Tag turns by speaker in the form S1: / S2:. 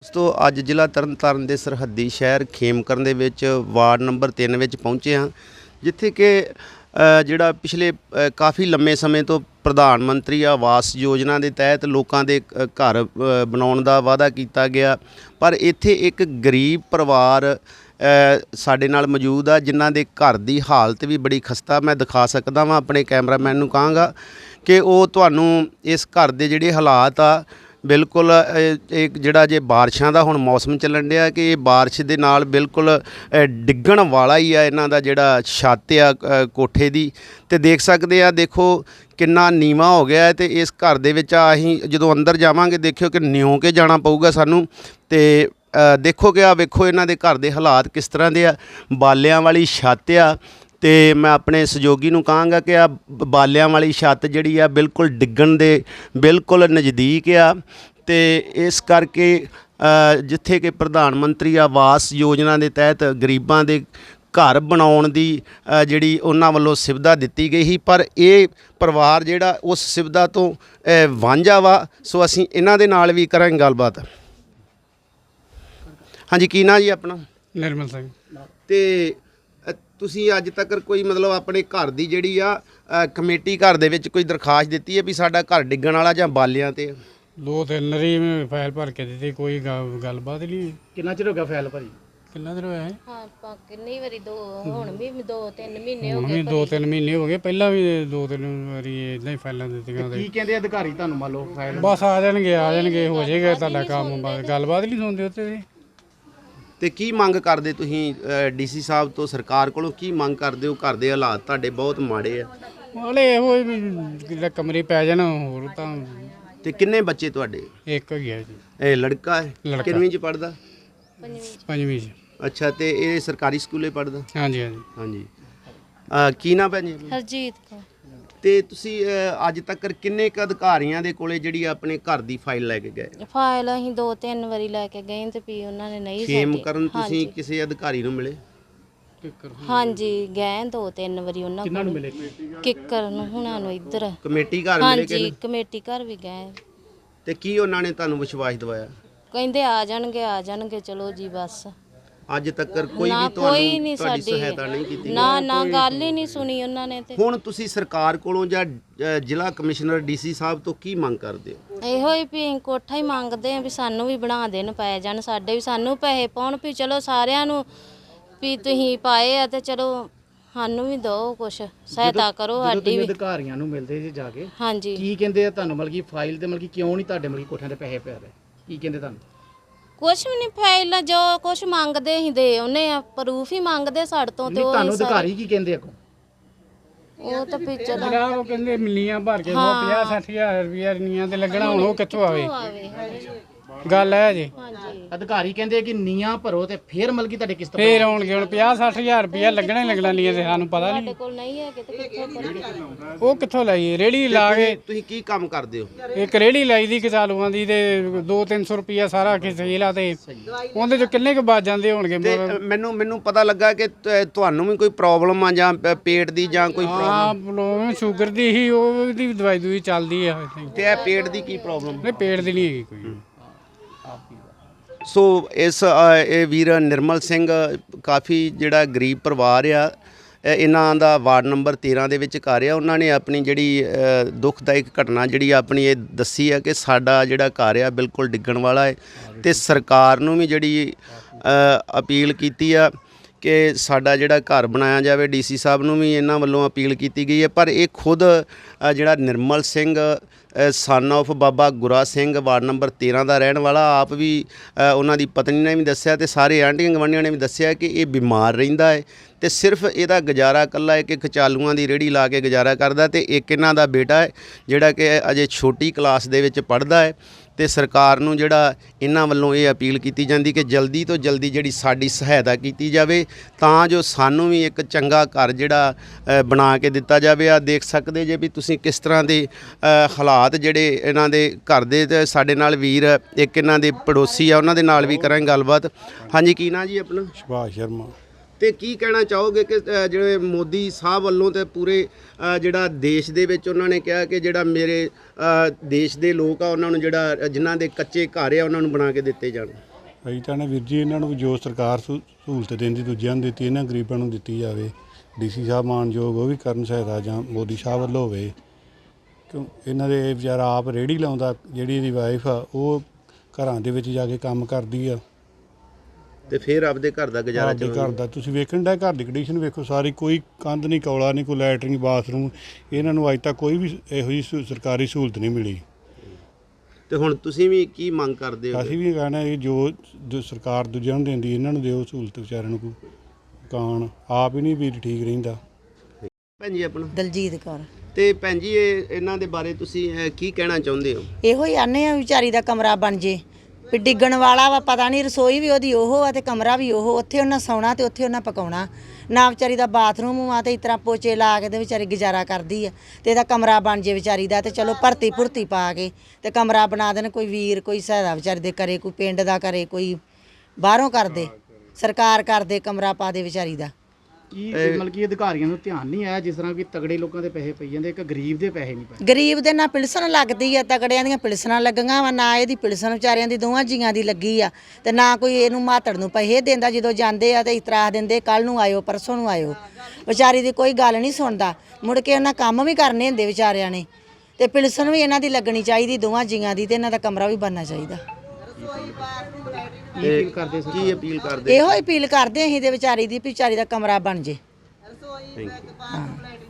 S1: ਦੋਸਤੋ ਅੱਜ ਜ਼ਿਲ੍ਹਾ ਤਰਨਤਾਰਨ ਦੇ ਸਰਹੱਦੀ ਸ਼ਹਿਰ ਖੇਮਕਰਨ ਦੇ ਵਿੱਚ ਵਾਰਡ ਨੰਬਰ 3 ਵਿੱਚ ਪਹੁੰਚੇ ਹਾਂ, ਜਿੱਥੇ ਕਿ ਜਿਹੜਾ ਪਿਛਲੇ ਕਾਫੀ ਲੰਮੇ ਸਮੇਂ ਤੋਂ ਪ੍ਰਧਾਨ ਮੰਤਰੀ ਆਵਾਸ ਯੋਜਨਾ ਦੇ ਤਹਿਤ ਲੋਕਾਂ ਦੇ ਘਰ ਬਣਾਉਣ ਦਾ ਵਾਅਦਾ ਕੀਤਾ ਗਿਆ। ਪਰ ਇੱਥੇ ਇੱਕ ਗਰੀਬ ਪਰਿਵਾਰ ਸਾਡੇ ਨਾਲ ਮੌਜੂਦ ਆ, ਜਿਨ੍ਹਾਂ ਦੇ ਘਰ ਦੀ ਹਾਲਤ ਵੀ ਬੜੀ ਖਸਤਾ। ਮੈਂ ਦਿਖਾ ਸਕਦਾ ਵਾਂ, ਆਪਣੇ ਕੈਮਰਾਮੈਨ ਨੂੰ ਕਹਾਂਗਾ ਕਿ ਉਹ ਤੁਹਾਨੂੰ ਇਸ ਘਰ ਦੇ ਜਿਹੜੇ ਹਾਲਾਤ ਆ ਬਿਲਕੁਲ ਇੱਕ ਜਿਹੜਾ ਜੇ ਬਾਰਿਸ਼ਾਂ ਦਾ ਹੁਣ ਮੌਸਮ ਚੱਲਣ ਡਿਆ ਕਿ ਇਹ ਬਾਰਿਸ਼ ਦੇ ਨਾਲ ਬਿਲਕੁਲ ਡਿੱਗਣ ਵਾਲਾ ਹੀ ਆ ਇਹਨਾਂ ਦਾ ਜਿਹੜਾ ਛੱਤ ਆ ਕੋਠੇ ਦੀ। ਤੇ ਦੇਖ ਸਕਦੇ ਆ, ਦੇਖੋ ਕਿੰਨਾ ਨੀਵਾਂ ਹੋ ਗਿਆ। ਤੇ ਇਸ ਘਰ ਦੇ ਵਿੱਚ ਅਸੀਂ ਜਦੋਂ ਅੰਦਰ ਜਾਵਾਂਗੇ ਦੇਖਿਓ ਕਿ ਨਿਉਂ ਕੇ ਜਾਣਾ ਪਊਗਾ ਸਾਨੂੰ। ਤੇ ਦੇਖੋ ਕਿ ਆ ਵੇਖੋ ਇਹਨਾਂ ਦੇ ਘਰ ਦੇ ਹਾਲਾਤ ਕਿਸ ਤਰ੍ਹਾਂ ਦੇ ਆ, ਬਾਲਿਆਂ ਵਾਲੀ ਛੱਤ ਆ। ਤੇ ਮੈਂ ਆਪਣੇ ਸਹਿਯੋਗੀ ਨੂੰ ਕਹਾਂਗਾ ਕਿ ਆ ਬਾਲਿਆਂ ਵਾਲੀ ਛੱਤ ਜਿਹੜੀ ਆ ਬਿਲਕੁਲ ਡਿੱਗਣ ਦੇ ਬਿਲਕੁਲ ਨਜ਼ਦੀਕ ਆ। ਤੇ ਇਸ ਕਰਕੇ ਜਿੱਥੇ ਕਿ ਪ੍ਰਧਾਨ ਮੰਤਰੀ ਆਵਾਸ ਯੋਜਨਾ ਦੇ ਤਹਿਤ ਗਰੀਬਾਂ ਦੇ ਘਰ ਬਣਾਉਣ ਦੀ ਜਿਹੜੀ ਉਹਨਾਂ ਵੱਲੋਂ ਸੁਵਿਧਾ ਦਿੱਤੀ ਗਈ ਸੀ, ਪਰ ਇਹ ਪਰਿਵਾਰ ਜਿਹੜਾ ਉਸ ਸੁਵਿਧਾ ਤੋਂ ਵਾਂਝਾ ਵਾ। ਸੋ ਅਸੀਂ ਇਹਨਾਂ ਦੇ ਨਾਲ ਵੀ ਕਰਾਂਗੇ ਗੱਲਬਾਤ। ਹਾਂਜੀ, ਕੀ ਨਾਂ ਜੀ ਆਪਣਾ?
S2: ਨਿਰਮਲ ਸਿੰਘ।
S1: ਤੇ ਤੁਸੀਂ ਅੱਜ ਤੱਕ ਕੋਈ ਮਤਲਬ ਆਪਣੇ ਘਰ ਦੀ ਜਿਹੜੀ ਆ ਕਮੇਟੀ ਘਰ ਦੇ ਵਿੱਚ ਕੋਈ ਦਰਖਾਸਤ ਦਿੱਤੀ ਹੈ ਵੀ ਸਾਡਾ ਘਰ ਡਿੱਗਣ ਵਾਲਾ ਜਾਂ ਬਾਲਿਆਂ ਤੇ?
S2: 2-3 ਵਾਰੀ ਫਾਈਲ ਭਰ ਕੇ ਦਿੱਤੀ, ਕੋਈ ਗੱਲਬਾਤ ਨਹੀਂ।
S3: ਕਿੰਨਾ ਚਿਰ ਹੋ ਗਿਆ ਫਾਈਲ ਭਰੀ?
S2: ਕਿੰਨਾ ਦਿਨ ਹੋਇਆ ਹੈ?
S4: ਹਾਂ, ਕਿੰਨੀ ਵਾਰੀ ਹੁਣ ਵੀ 2-3 ਮਹੀਨੇ ਹੋ
S2: ਹੁਣ
S4: ਗਏ।
S2: ਵੀ 2-3 ਮਹੀਨੇ ਹੋ ਗਏ, ਪਹਿਲਾਂ ਵੀ 2-3 ਵਾਰੀ ਇਦਾਂ ਹੀ ਫਾਈਲਾਂ ਦਿੱਤੀਆਂ।
S3: ਕੀ ਕਹਿੰਦੇ ਅਧਿਕਾਰੀ ਤੁਹਾਨੂੰ? ਮੰਨ ਲਓ ਫਾਈਲ
S2: ਬਸ ਆ ਜਾਣਗੇ ਹੋ ਜਾਏਗਾ ਤੁਹਾਡਾ ਕੰਮ। ਗੱਲਬਾਤ ਨਹੀਂ ਸੁਣਦੇ ਉੱਥੇ।
S1: ਤੇ ਕੀ ਮੰਗ ਕਰਦੇ ਤੁਸੀਂ ਡੀਸੀ ਸਾਹਿਬ ਤੋਂ, ਸਰਕਾਰ ਕੋਲੋਂ ਕੀ ਮੰਗ ਕਰਦੇ ਹੋ? ਘਰ ਦੇ ਹਾਲਾਤ ਤੁਹਾਡੇ ਬਹੁਤ ਮਾੜੇ ਆ।
S2: ਹਾਲੇ ਇਹੋ ਵੀ ਕਮਰੇ ਪੈ ਜਾਣ ਹੋਰ ਤਾਂ।
S1: ਤੇ ਕਿੰਨੇ ਬੱਚੇ ਤੁਹਾਡੇ?
S2: ਇੱਕ ਹੀ ਹੈ ਜੀ।
S1: ਇਹ ਲੜਕਾ ਹੈ? ਕਿੰਨਵੀਂ ਚ ਪੜਦਾ?
S2: 5ਵੀਂ ਚ।
S1: ਅੱਛਾ, ਤੇ ਇਹ ਸਰਕਾਰੀ ਸਕੂਲੇ ਪੜਦਾ?
S2: ਹਾਂਜੀ ਹਾਂਜੀ
S1: ਹਾਂਜੀ। ਕੀ ਨਾਂ ਭੈਣ ਜੀ?
S4: ਹਰਜੀਤ ਕੋ।
S1: ਤੇ ਤੁਸੀਂ ਅੱਜ ਤੱਕ ਕਿੰਨੇ ਕੁ ਅਧਿਕਾਰੀਆਂ ਦੇ ਕੋਲੇ ਜਿਹੜੀ ਆਪਣੇ ਘਰ ਦੀ ਫਾਈਲ ਲੈ ਕੇ ਗਏ?
S4: ਫਾਈਲ ਅਸੀਂ 2-3 ਵਾਰੀ ਲੈ ਕੇ ਗਏ ਤੇ ਵੀ ਉਹਨਾਂ ਨੇ ਨਹੀਂ
S1: ਖੇਮ ਕਰਨ ਤੁਸੀਂ ਕਿਸੇ ਅਧਿਕਾਰੀ ਨੂੰ ਮਿਲੇ?
S4: ਹਾਂਜੀ, ਗਏ 2-3 ਵਾਰੀ ਉਹਨਾਂ
S3: ਕਿੰਨਾਂ ਨੂੰ ਮਿਲੇ?
S4: ਕਿੱਕਰ ਨੂੰ ਹੁਣਾਂ ਨੂੰ ਇੱਧਰ
S1: ਕਮੇਟੀ ਘਰ ਮਿਲੇ?
S4: ਹਾਂਜੀ, ਕਮੇਟੀ ਘਰ ਵੀ ਗਏ।
S1: ਤੇ ਕੀ ਉਹਨਾਂ ਨੇ ਤੁਹਾਨੂੰ ਵਿਸ਼ਵਾਸ ਦਿਵਾਇਆ?
S4: ਕਹਿੰਦੇ ਆ ਜਾਣਗੇ ਚਲੋ ਜੀ ਬਸ।
S1: ਅੱਜ ਤੱਕ ਕੋਈ ਵੀ
S4: ਕੋਈ
S1: ਤੁਹਾਨੂੰ
S4: ਨਹੀਂ
S1: ਤੁਹਾਡੀ
S4: ਸਾਡੀ
S1: ਸਹਾਇਤਾ ਨਹੀਂ ਕੀਤੀ?
S4: ਨਾ ਗੱਲ ਹੀ ਨਹੀਂ ਸੁਣੀ ਉਹਨਾਂ ਨੇ। ਤੇ
S1: ਹੁਣ ਤੁਸੀਂ ਸਰਕਾਰ ਕੋਲੋਂ ਜਾਂ ਜ਼ਿਲ੍ਹਾ ਕਮਿਸ਼ਨਰ ਡੀਸੀ ਸਾਹਿਬ ਤੋਂ ਕੀ ਮੰਗ ਕਰਦੇ ਹੋ?
S4: ਇਹੋ ਹੀ ਵੀ ਅਸੀਂ ਕੋਠਾ ਹੀ ਮੰਗਦੇ ਆ ਵੀ ਸਾਨੂੰ ਵੀ ਬਣਾ ਦੇਣ, ਪੈ ਜਾਣ ਸਾਡੇ ਵੀ, ਸਾਨੂੰ ਪੈਸੇ ਪਾਉਣ ਵੀ ਚਲੋ ਸਾਰਿਆਂ ਨੂੰ ਵੀ ਤੁਸੀਂ ਪਾਏ ਆ ਤੇ ਚਲੋ ਸਾਨੂੰ ਵੀ ਦਿਓ ਕੁਛ, ਸਹਾਇਤਾ ਕਰੋ ਸਾਡੀ ਵੀ।
S3: ਅਧਿਕਾਰੀਆਂ ਨੂੰ ਮਿਲਦੇ ਜੀ ਜਾ ਕੇ,
S4: ਹਾਂਜੀ,
S3: ਕੀ ਕਹਿੰਦੇ ਆ ਤੁਹਾਨੂੰ? ਮਤਲਬ ਕਿ ਫਾਈਲ ਤੇ ਮਤਲਬ ਕਿ ਕਿਉਂ ਨਹੀਂ ਤੁਹਾਡੇ ਮਤਲਬ ਕੋਠਿਆਂ ਦੇ ਪੈਸੇ ਪੈ ਰਹੇ? ਕੀ ਕਹਿੰਦੇ ਤੁਹਾਨੂੰ?
S4: ਕੁਛ ਵੀ ਨਹੀਂ, ਫਾਈਲ ਜੋ ਕੁਛ ਮੰਗਦੇ ਅਸੀਂ ਦੇ ਉਹਨੇ ਆ, ਪ੍ਰੂਫ ਹੀ ਮੰਗਦੇ ਸਾਡੇ ਤੋਂ। ਤੇ
S3: ਨਹੀਂ,
S4: ਉਹ
S3: ਤੁਹਾਨੂੰ ਅਧਿਕਾਰੀ ਕੀ ਕਹਿੰਦੇ ਅੱਗੋਂ?
S4: ਉਹ ਤਾਂ ਵੀ ਚਲੋ
S2: ਜਿਹੜਾ ਉਹ ਕਹਿੰਦੇ ਮਿਲੀਆਂ ਭਰ ਕੇ 50-60 ਹਜ਼ਾਰ ਰੁਪਇਆ ਨੀਆਂ ਤੇ ਲੱਗਣਾ, ਹੁਣ ਉਹ ਕਿੱਥੋਂ ਆਵੇ? ਗੱਲ ਹੈ ਜੀ।
S4: ਹਾਂਜੀ,
S3: ਅਧਿਕਾਰੀ ਕਹਿੰਦੇ ਕਿ ਨੀਆਂ ਭਰੋ ਤੇ ਫੇਰ ਮਤਲਬ ਕਿ ਤੁਹਾਡੇ ਕਿਸ਼ਤ
S2: ਫੇਰ ਆਉਣਗੇ। ਹੁਣ 50-60 ਹਜ਼ਾਰ ਰੁਪਇਆ ਲੱਗਣਾ ਹੀ ਲੱਗਣਾ ਨੀਆਂ ਤੇ, ਸਾਨੂੰ ਪਤਾ ਨਹੀਂ
S4: ਸਾਡੇ ਕੋਲ ਨਹੀਂ ਹੈ ਕਿਤੇ ਕਿੱਥੋਂ
S2: ਉਹ ਕਿੱਥੋਂ ਲਾਈਏ। ਰੇੜੀ ਲਾ ਕੇ
S1: ਤੁਸੀਂ ਕੀ ਕੰਮ ਕਰਦੇ ਹੋ?
S2: ਇੱਕ ਰੇੜੀ ਲਾਈ ਦੀ ਕਚਾਲੂਆਂ ਦੀ, ਤੇ 200-300 ਰੁਪਇਆ ਸਾਰਾ ਖੇਲਾ, ਤੇ ਉਹਦੇ ਚ ਕਿੰਨੇ ਕੁ ਬਚ ਜਾਂਦੇ ਹੋਣਗੇ?
S1: ਤੇ ਮੈਨੂੰ ਪਤਾ ਲੱਗਾ ਕਿ ਤੁਹਾਨੂੰ ਵੀ ਕੋਈ ਪ੍ਰੋਬਲਮ ਆ ਜਾਂ ਪੇਟ ਦੀ ਜਾਂ ਕੋਈ
S2: ਪ੍ਰੋਬਲਮ ਸ਼ੂਗਰ ਦੀ ਹੀ, ਉਹਦੀ ਦਵਾਈ ਦੂਈ ਚੱਲਦੀ ਆ।
S1: ਤੇ ਇਹ ਪੇਟ ਦੀ ਕੀ ਪ੍ਰੋਬਲਮ?
S2: ਨਹੀਂ, ਪੇਟ ਦੀ ਨਹੀਂ ਹੈਗੀ ਕੋਈ।
S1: ਸੋ ਇਹ ਵੀਰ ਨਿਰਮਲ ਸਿੰਘ ਕਾਫੀ ਜਿਹੜਾ ਗਰੀਬ ਪਰਿਵਾਰ ਆ, ਇਹਨਾਂ ਦਾ ਵਾਰਡ ਨੰਬਰ 13 ਦੇ ਵਿੱਚ ਘਰ ਆ। ਉਹਨਾਂ ਨੇ ਆਪਣੀ ਜਿਹੜੀ ਦੁਖਦਾਇਕ ਘਟਨਾ ਜਿਹੜੀ ਆਪਣੀ ਇਹ ਦੱਸੀ ਆ ਕਿ ਸਾਡਾ ਜਿਹੜਾ ਘਰ ਆ ਬਿਲਕੁਲ ਡਿੱਗਣ ਵਾਲਾ ਹੈ। ਤੇ ਸਰਕਾਰ ਨੂੰ ਵੀ ਜਿਹੜੀ ਅਪੀਲ ਕੀਤੀ ਆ ਕਿ ਸਾਡਾ ਜਿਹੜਾ ਘਰ ਬਣਾਇਆ ਜਾਵੇ। ਡੀਸੀ ਸਾਹਿਬ ਨੂੰ ਵੀ ਇਹਨਾਂ ਵੱਲੋਂ ਅਪੀਲ ਕੀਤੀ ਗਈ ਹੈ। ਪਰ ਇਹ ਖੁਦ ਜਿਹੜਾ Nirmal Singh son of Baba Gura Singh ward number 13 ਦਾ ਰਹਿਣ ਵਾਲਾ, ਆਪ ਵੀ ਉਹਨਾਂ ਦੀ ਪਤਨੀ ਨੇ ਵੀ ਦੱਸਿਆ ਤੇ ਸਾਰੇ ਆਂਢੀਆਂ ਗੁਆਂਢੀਆਂ ਨੇ ਵੀ ਦੱਸਿਆ ਕਿ ਇਹ ਬਿਮਾਰ ਰਹਿੰਦਾ ਹੈ ਤੇ ਸਿਰਫ ਇਹਦਾ ਗੁਜ਼ਾਰਾ ਇਕੱਲਾ ਇੱਕ ਕਚਾਲੂਆਂ ਦੀ ਰੇਹੜੀ ਲਾ ਕੇ ਗੁਜ਼ਾਰਾ ਕਰਦਾ। ਤੇ ਇੱਕ ਇਹਨਾਂ ਦਾ ਬੇਟਾ ਹੈ ਜਿਹੜਾ ਕਿ ਅਜੇ ਛੋਟੀ ਕਲਾਸ ਦੇ ਵਿੱਚ ਪੜ੍ਹਦਾ ਹੈ। ਤੇ ਸਰਕਾਰ ਨੂੰ ਜਿਹੜਾ ਇਹਨਾਂ ਵੱਲੋਂ ਇਹ ਅਪੀਲ ਕੀਤੀ ਜਾਂਦੀ ਕਿ ਜਲਦੀ ਤੋਂ ਜਲਦੀ ਜਿਹੜੀ ਸਾਡੀ ਸਹਾਇਤਾ ਕੀਤੀ ਜਾਵੇ ਤਾਂ ਜੋ ਸਾਨੂੰ ਵੀ ਇੱਕ ਚੰਗਾ ਘਰ ਜਿਹੜਾ ਬਣਾ ਕੇ ਦਿੱਤਾ ਜਾਵੇ। ਆ ਦੇਖ ਸਕਦੇ ਜੇ ਵੀ ਤੁਸੀਂ ਕਿਸ ਤਰ੍ਹਾਂ ਦੇ ਹਾਲਾਤ ਜਿਹੜੇ ਇਹਨਾਂ ਦੇ ਘਰ ਦੇ। ਤੇ ਸਾਡੇ ਨਾਲ ਵੀਰ ਇੱਕ ਇਹਨਾਂ ਦੇ ਪੜੋਸੀ ਆ, ਉਹਨਾਂ ਦੇ ਨਾਲ ਵੀ ਕਰਾਂਗੇ ਗੱਲਬਾਤ। ਹਾਂਜੀ, ਕੀ ਨਾਂ ਜੀ ਆਪਣਾ?
S5: ਸੁਭਾਸ਼ ਸ਼ਰਮਾ।
S1: ਤੇ ਕੀ ਕਹਿਣਾ ਚਾਹੋਗੇ ਕਿ ਜਿਹੜੇ ਮੋਦੀ ਸਾਹਿਬ ਵੱਲੋਂ ਤੇ ਪੂਰੇ ਜਿਹੜਾ ਦੇਸ਼ ਦੇ ਵਿੱਚ ਉਹਨਾਂ ਨੇ ਕਿਹਾ ਕਿ ਜਿਹੜਾ ਮੇਰੇ ਦੇਸ਼ ਦੇ ਲੋਕ ਆ ਉਹਨਾਂ ਨੂੰ ਜਿਹੜਾ ਜਿਨ੍ਹਾਂ ਦੇ ਕੱਚੇ ਘਰ ਆ ਉਹਨਾਂ ਨੂੰ ਬਣਾ ਕੇ ਦਿੱਤੇ ਜਾਣ?
S5: ਅਸੀਂ ਤਾਂ ਨਾ ਵੀਰ ਜੀ ਇਹਨਾਂ ਨੂੰ ਜੋ ਸਰਕਾਰ ਸਹੂਲਤ ਦਿੰਦੀ ਦੂਜਿਆਂ ਨੂੰ ਦਿੱਤੀ, ਇਹਨਾਂ ਗਰੀਬਾਂ ਨੂੰ ਦਿੱਤੀ ਜਾਵੇ। ਡੀਸੀ ਸਾਹਿਬ ਮਾਨਯੋਗ ਉਹ ਵੀ ਕਰਨ ਸਹਾਇਤਾ, ਜਾਂ ਮੋਦੀ ਸਾਹਿਬ ਵੱਲੋਂ ਹੋਵੇ। ਕਿਉਂ ਇਹਨਾਂ ਦੇ ਵਿਚਾਰਾ ਆਪ ਰੇਹੜੀ ਲਾਉਂਦਾ, ਜਿਹੜੀ ਇਹਦੀ ਵਾਈਫ ਆ ਉਹ ਘਰਾਂ ਦੇ ਵਿੱਚ ਜਾ ਕੇ ਕੰਮ ਕਰਦੀ ਆ
S1: ਤੇ ਫਿਰ ਆਪਦੇ ਘਰ ਦਾ ਗੁਜ਼ਾਰਾ
S5: ਆਪਦੇ ਘਰ ਦਾ। ਤੁਸੀਂ ਵੇਖਣ ਦਾ ਘਰ ਦੀ ਕੰਡੀਸ਼ਨ ਵੇਖੋ ਸਾਰੀ, ਕੋਈ ਕੰਧ ਨਹੀਂ, ਕੌਲਾ ਨਹੀਂ, ਕੋਈ ਲੈਟਰਿੰਗ ਬਾਥਰੂਮ। ਇਹਨਾਂ ਨੂੰ ਅੱਜ ਤੱਕ ਕੋਈ ਵੀ ਇਹੋ ਜਿਹੀ ਸਰਕਾਰੀ ਸਹੂਲਤ ਨਹੀਂ ਮਿਲੀ।
S1: ਤੇ ਹੁਣ ਤੁਸੀਂ ਵੀ ਕੀ ਮੰਗ ਕਰਦੇ ਹੋ?
S5: ਅਸੀਂ ਵੀ ਕਹਿਣਾ ਇਹ ਜੋ ਸਰਕਾਰ ਦੂਜਿਆਂ ਨੂੰ ਦਿੰਦੀ ਇਹਨਾਂ ਨੂੰ ਦਿਓ ਸਹੂਲਤ, ਵਿਚਾਰਿਆਂ ਨੂੰ ਕੋਈ ਕਾਣ ਆਪ ਹੀ ਨਹੀਂ ਵੀ ਠੀਕ ਰਹਿੰਦਾ।
S1: ਭੈਣ ਜੀ ਆਪਣਾ?
S6: ਦਲਜੀਤ ਕੌਰ।
S1: ਤੇ ਭੈਣ ਜੀ ਇਹਨਾਂ ਦੇ ਬਾਰੇ ਤੁਸੀਂ ਕੀ ਕਹਿਣਾ ਚਾਹੁੰਦੇ ਹੋ?
S6: ਇਹੋ ਹੀ ਆਨੇ ਆ ਵਿਚਾਰੀ ਦਾ ਕਮਰਾ ਬਣ ਜੇ, ਵੀ ਡਿੱਗਣ ਵਾਲਾ ਵਾ, ਪਤਾ ਨਹੀਂ ਰਸੋਈ ਵੀ ਉਹਦੀ ਉਹ ਆ ਤੇ ਕਮਰਾ ਵੀ ਉਹ, ਉੱਥੇ ਉਹਨਾਂ ਸੌਣਾ ਤੇ ਉੱਥੇ ਉਹਨਾਂ ਪਕਾਉਣਾ। ਨਾ ਵਿਚਾਰੀ ਦਾ ਬਾਥਰੂਮ ਆ ਤੇ ਇਸ ਤਰ੍ਹਾਂ ਪੋਚੇ ਲਾ ਕੇ ਤੇ ਵਿਚਾਰੀ ਗੁਜ਼ਾਰਾ ਕਰਦੀ ਆ। ਤੇ ਇਹਦਾ ਕਮਰਾ ਬਣ ਜੇ ਵਿਚਾਰੀ ਦਾ, ਤੇ ਚਲੋ ਭਰਤੀ ਪਾ ਕੇ ਤੇ ਕਮਰਾ ਬਣਾ ਦੇਣ। ਕੋਈ ਵੀਰ ਕੋਈ ਸਹਾਇਤਾ ਵਿਚਾਰੀ ਦੇ ਕਰੇ, ਕੋਈ ਪਿੰਡ ਦਾ ਕਰੇ, ਕੋਈ ਬਾਹਰੋਂ ਕਰਦੇ, ਸਰਕਾਰ ਕਰਦੇ, ਕਮਰਾ ਪਾ ਦੇ ਵਿਚਾਰੀ ਦਾ।
S3: ਕੀ ਮਤਲਬ ਕਿ ਅਧਿਕਾਰੀਆਂ ਨੂੰ ਧਿਆਨ ਨਹੀਂ ਆਇਆ ਜਿਸ ਤਰ੍ਹਾਂ ਕਿ ਤਗੜੇ ਲੋਕਾਂ ਦੇ ਪੈਸੇ ਪਈ ਜਾਂਦੇ, ਇੱਕ ਗਰੀਬ ਦੇ ਪੈਸੇ ਨਹੀਂ ਪਏ?
S6: ਗਰੀਬ ਦੇ ਨਾ ਪਿਲਸਣ ਲੱਗਦੀ ਆ, ਤਗੜਿਆਂ ਦੀਆਂ ਪਿਲਸਣਾਂ ਲੱਗੀਆਂ ਵਾ, ਨਾ ਇਹਦੀ ਪਿਲਸਣ ਵਿਚਾਰਿਆਂ ਦੀ ਦੋਵਾਂ ਜੀਆਂ ਦੀ ਲੱਗੀ ਆ। ਤੇ ਨਾ ਕੋਈ ਇਹਨੂੰ ਮਾਤੜ ਨੂੰ ਪੈਸੇ ਦਿੰਦਾ, ਜਦੋਂ ਜਾਂਦੇ ਆ ਤੇ ਇਤਰਾਹ ਦਿੰਦੇ ਕੱਲ ਨੂੰ ਆਇਓ, ਪਰਸੋਂ ਨੂੰ ਆਇਓ। ਵਿਚਾਰੀ ਦੀ ਕੋਈ ਗੱਲ ਨਹੀਂ ਸੁਣਦਾ। ਮੁੜ ਕੇ ਉਹਨਾਂ ਕੰਮ ਵੀ ਕਰਨੇ ਹੁੰਦੇ ਵਿਚਾਰਿਆਂ ਨੇ, ਤੇ ਪਿਲਸਣ ਵੀ ਇਹਨਾਂ ਦੀ ਲੱਗਣੀ ਚਾਹੀਦੀ ਦੋਵਾਂ ਜੀਆਂ ਦੀ, ਤੇ ਇਹਨਾਂ ਦਾ ਕਮਰਾ ਵੀ ਬਣਨਾ ਚਾਹੀਦਾ।
S3: ਕੀ ਅਪੀਲ ਕਰਦੇ ਸੀ?
S1: ਕੀ ਅਪੀਲ ਕਰਦੇ?
S6: ਇਹੋ ਅਪੀਲ ਕਰਦੇ ਅਸੀਂ ਤੇ ਵਿਚਾਰੀ ਦੀ, ਵੀ ਵਿਚਾਰੀ ਦਾ ਕਮਰਾ ਬਣ ਜੇ।
S1: Thank you.
S6: ਹਾਂ।